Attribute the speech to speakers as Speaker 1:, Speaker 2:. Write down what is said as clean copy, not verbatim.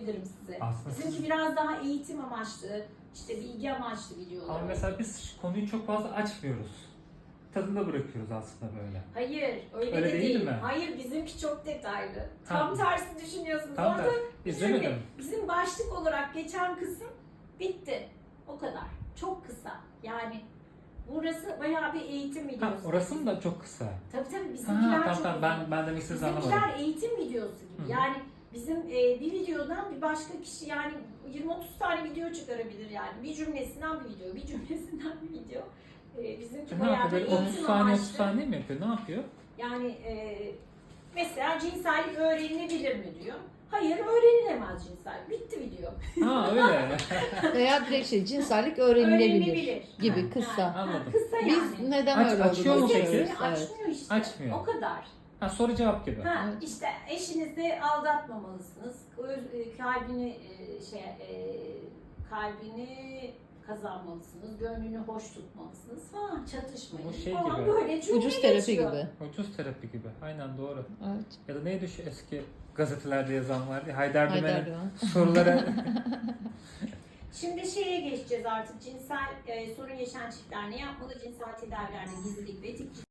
Speaker 1: diyebilirim size.
Speaker 2: Aslında
Speaker 1: Bizimki biraz daha eğitim amaçlı, işte bilgi amaçlı videolar.
Speaker 2: Ama mesela biz konuyu çok fazla açmıyoruz. Tadında bırakıyoruz aslında böyle.
Speaker 1: Hayır, öyle
Speaker 2: Öyle
Speaker 1: de
Speaker 2: değil
Speaker 1: değil.
Speaker 2: mi?
Speaker 1: Hayır, bizimki çok detaylı.
Speaker 2: Ha.
Speaker 1: Tam tersi düşünüyorsunuz.
Speaker 2: Tam
Speaker 1: Orada
Speaker 2: da izlemedim.
Speaker 1: bizim başlık olarak geçen kısım bitti. O kadar. Çok kısa. Yani burası bayağı bir eğitim videosu.
Speaker 2: Ha, orası mı da çok kısa?
Speaker 1: Tabii bizimkiler
Speaker 2: Ha,
Speaker 1: çok
Speaker 2: tamam
Speaker 1: uzun.
Speaker 2: ben demek istediğinizi anlamadım.
Speaker 1: Bizimkiler eğitim videosu gibi.
Speaker 2: Hı.
Speaker 1: Yani bizim bir videodan bir başka kişi yani 20-30 tane video çıkarabilir yani. Bir cümlesinden bir video, bir cümlesinden bir video. Bizimki
Speaker 2: Ne
Speaker 1: bayağı
Speaker 2: yapıyor?
Speaker 1: bir
Speaker 2: Böyle 30
Speaker 1: eğitim
Speaker 2: saniye 30
Speaker 1: amaçlı.
Speaker 2: saniye mi yapıyor? Ne yapıyor?
Speaker 1: Yani mesela cinsellik öğrenilebilir mi diyor. Hayır, öğrenilemez cinsellik. Bitti video.
Speaker 2: Ha öyle.
Speaker 3: Veya direkt cinsellik öğrenilebilir
Speaker 1: Öğrenilebilir.
Speaker 3: gibi kısa.
Speaker 1: Yani,
Speaker 2: Anladım.
Speaker 1: kısa yani.
Speaker 3: Biz neden
Speaker 2: Aç-
Speaker 3: öyle
Speaker 2: açıyor mu
Speaker 3: olduğunu
Speaker 2: peki?
Speaker 3: düşünüyoruz.
Speaker 1: Hepsini
Speaker 3: Evet.
Speaker 1: açmıyor işte.
Speaker 2: Açmıyor.
Speaker 1: O kadar.
Speaker 2: Ha, soru cevap gibi.
Speaker 1: Ha,
Speaker 3: Evet.
Speaker 1: işte eşinizi aldatmamalısınız. Kalbini kalbini kazanmalısınız. Gönlünü hoş tutmalısınız falan. Çatışmayın
Speaker 2: Bu şey
Speaker 1: falan
Speaker 2: gibi.
Speaker 1: böyle cümle
Speaker 3: Ucuz terapi
Speaker 1: geçiyor.
Speaker 3: gibi.
Speaker 2: Ucuz terapi gibi. Aynen doğru.
Speaker 3: Evet.
Speaker 2: Ya da neydi şu eski gazetelerde yazan vardı ya, Haydar
Speaker 3: Haydar
Speaker 2: Dümen'in
Speaker 3: Doğan.
Speaker 2: sorulara.
Speaker 1: Şimdi şeye geçeceğiz artık. Cinsel sorun yaşayan çiftler ne yapmalı? Cinsel tedavilerde gizlilik ve etik